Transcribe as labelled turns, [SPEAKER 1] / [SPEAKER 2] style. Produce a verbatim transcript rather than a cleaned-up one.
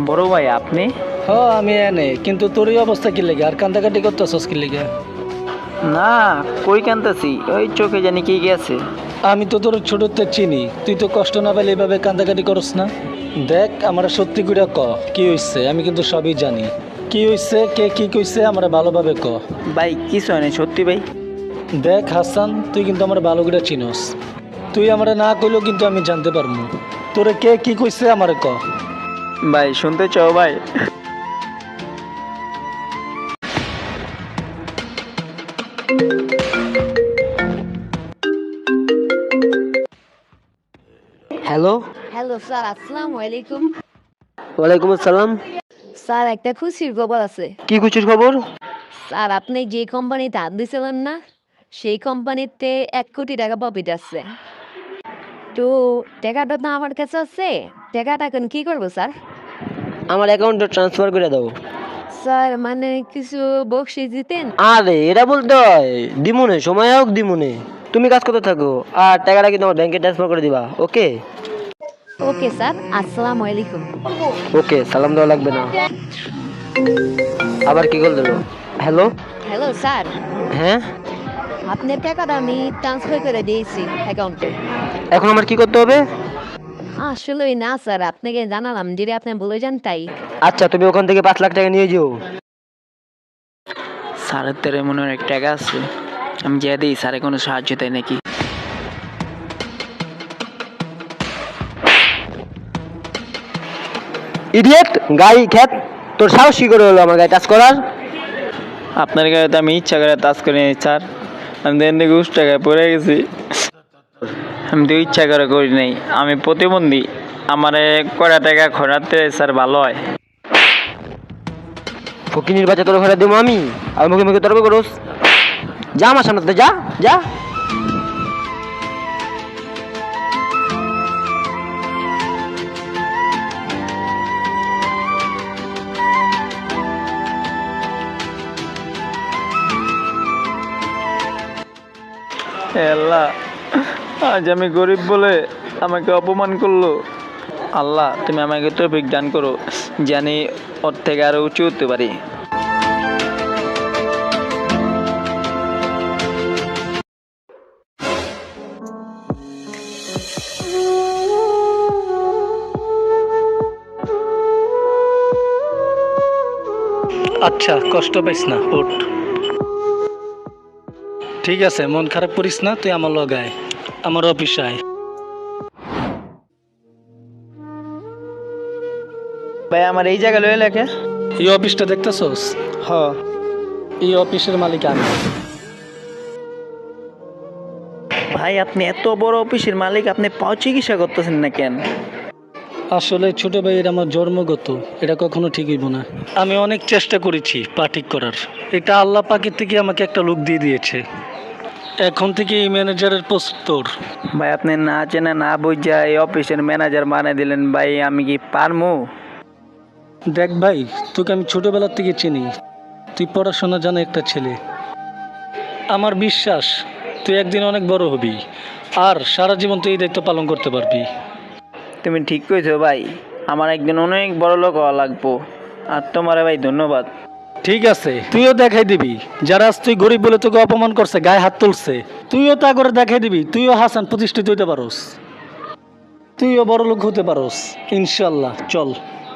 [SPEAKER 1] বড় ভাই আপনি?
[SPEAKER 2] হ আমি এনে, কিন্তু তোর এই অবস্থা কি লেগে আর কান্দাকাটি করতেছস কি লেগে?
[SPEAKER 1] না, কই কান্তাছি, ওই চোখে জানি কি গেছে।
[SPEAKER 2] আমি তো তোর ছোটতে চিনি, তুই তো কষ্ট না পেলে এইভাবে কান্দাকাটি করস না। দেখ আমার সত্যি করে ক কি হইছে, আমি কিন্তু সবই জানি। কি হইছে, কে কি কইছে আমার ভালোভাবে ক।
[SPEAKER 1] ভাই কিছু হয় না, সত্যি ভাই।
[SPEAKER 2] দেখ হাসান, তুই কিন্তু আমার ভালো করে চিনস, তুই আমারে না কইলেও কিন্তু আমি জানতে পারবো তোরে কে কি কইছে আমারে ক।
[SPEAKER 1] ভাই শুনতে চাও ভাই?
[SPEAKER 3] হ্যালো।
[SPEAKER 4] হ্যালো স্যার, আসসালামু আলাইকুম।
[SPEAKER 3] ওয়ালাইকুম আসসালাম।
[SPEAKER 4] স্যার একটা খুশির খবর আছে।
[SPEAKER 3] কি খুশির খবর?
[SPEAKER 4] স্যার আপনি যে কোম্পানিতে হাত দিয়েছিলেন না, সেই কোম্পানিতে এক কোটি টাকা প্রফিট আছে। তো টাকাটা তো আমার কাছে আছে, টাকাটা এখন কি করবো স্যার?
[SPEAKER 3] আমার অ্যাকাউন্টে ট্রান্সফার করে দাও।
[SPEAKER 4] স্যার মানে কিছু বকশিস দিতেন।
[SPEAKER 3] আরে এটা বলতে হয়, দিমুনে সময় হোক দিমুনে। তুমি কাজ করতে থাকো আর টাকাটা কিন্তু আমার ব্যাংকে ট্রান্সফার করে দিবা। ওকে
[SPEAKER 4] ওকে স্যার, আসসালামু আলাইকুম।
[SPEAKER 3] ওকে, সালাম দেওয়া লাগবে না। আবার কি কল দিল? হ্যালো।
[SPEAKER 4] হ্যালো স্যার,
[SPEAKER 3] হ্যাঁ,
[SPEAKER 4] আপনার টাকাটা আমি ট্রান্সফার করে দিয়েছি অ্যাকাউন্টে।
[SPEAKER 3] এখন আমার কি করতে হবে?
[SPEAKER 4] আসলে না স্যার, আপনাকে জানালাম যদি আপনি বলে যান তাই।
[SPEAKER 3] আচ্ছা, তুমি ওখান থেকে পাঁচ লাখ টাকা নিয়ে যেও।
[SPEAKER 1] স্যারের তেরে মনে হয় টাকা আছে, আমি যা দিই স্যারে কোনো সাহায্য দেয় নাকি?
[SPEAKER 3] ইডিয়েট, গাড়ি খ্যাত, তোর সাহস কি করে হলো আমার গায়ে টাচ করার?
[SPEAKER 1] আপনার গায়ে তো আমি ইচ্ছা করে তাজ করে নিই স্যার, আমি দেন দিকে উস টাকায় পড়ে গেছি। আমি তো ইচ্ছা করে করি নাই, আমি প্রতিবন্ধী, আমার কয়টা টাকা খরাতে স্যার ভালো হয়।
[SPEAKER 3] ফকিনির বাচ্চা, তোর ঘরে দেবো আমি আর মুখে মুখে তর্ক করোস? যা আমার সামনে থেকে, যা যা।
[SPEAKER 1] হে আল্লাহ, আজ আমি গরিব বলে আমাকে অপমান করলো। আল্লাহ তুমি আমাকে তৌফিক দান করো, জানি ওর থেকে আরো উঁচু হতে পারি।
[SPEAKER 2] আচ্ছা কষ্ট পাইস না, ওঠ। ঠিক আছে, মন খারাপ করিস না, তুই আমার লগে আয়, আমার অফিসে আয়।
[SPEAKER 1] ভাই আমার এই জায়গা লয়ে লেখে।
[SPEAKER 2] এই অফিসটা দেখতেছস?
[SPEAKER 1] হ।
[SPEAKER 2] এই অফিসের মালিক আমি।
[SPEAKER 1] ভাই আপনি এত বড় অফিসের মালিক, আপনি পাও চিকিৎসা করতেছেন না কেন?
[SPEAKER 2] আসলে ছোট ভাইয়ের আমার জন্মগত, এটা কখনো ঠিক হইব না। আমি অনেক চেষ্টা করেছি পা ঠিক করার, এটা আল্লাহ পাকের থেকে আমাকে একটা লোক দিয়ে দিয়েছে। এখন থেকে এই ম্যানেজারের পোস্ট তোর।
[SPEAKER 1] ভাই আপনি না চেনা না বুঝা এই অফিসের ম্যানেজার বানিয়ে দিলেন, ভাই আমি কি পারমু?
[SPEAKER 2] দেখ ভাই, তোকে আমি ছোটবেলার থেকে চিনি, তুই পড়াশোনা জানা একটা ছেলে। আমার বিশ্বাস তুই একদিন অনেক বড় হবি, আর সারা জীবন তুই এই দায়িত্ব পালন করতে পারবি।
[SPEAKER 1] তুমি ঠিক কইছো ভাই, আমার একদিন অনেক বড় লোক হওয়া লাগবো। আর তোমারে ভাই ধন্যবাদ।
[SPEAKER 2] ঠিক আছে, তুইও দেখাই দিবি যারা আজ তুই গরিব বলে তোকে অপমান করছে, গায়ে হাত তুলছে, তুইও তা করে দেখাই দিবি তুইও হাসান প্রতিষ্ঠিত হইতে পারোস, তুইও বড় লোক হতে পারোস ইনশাল্লাহ। চল।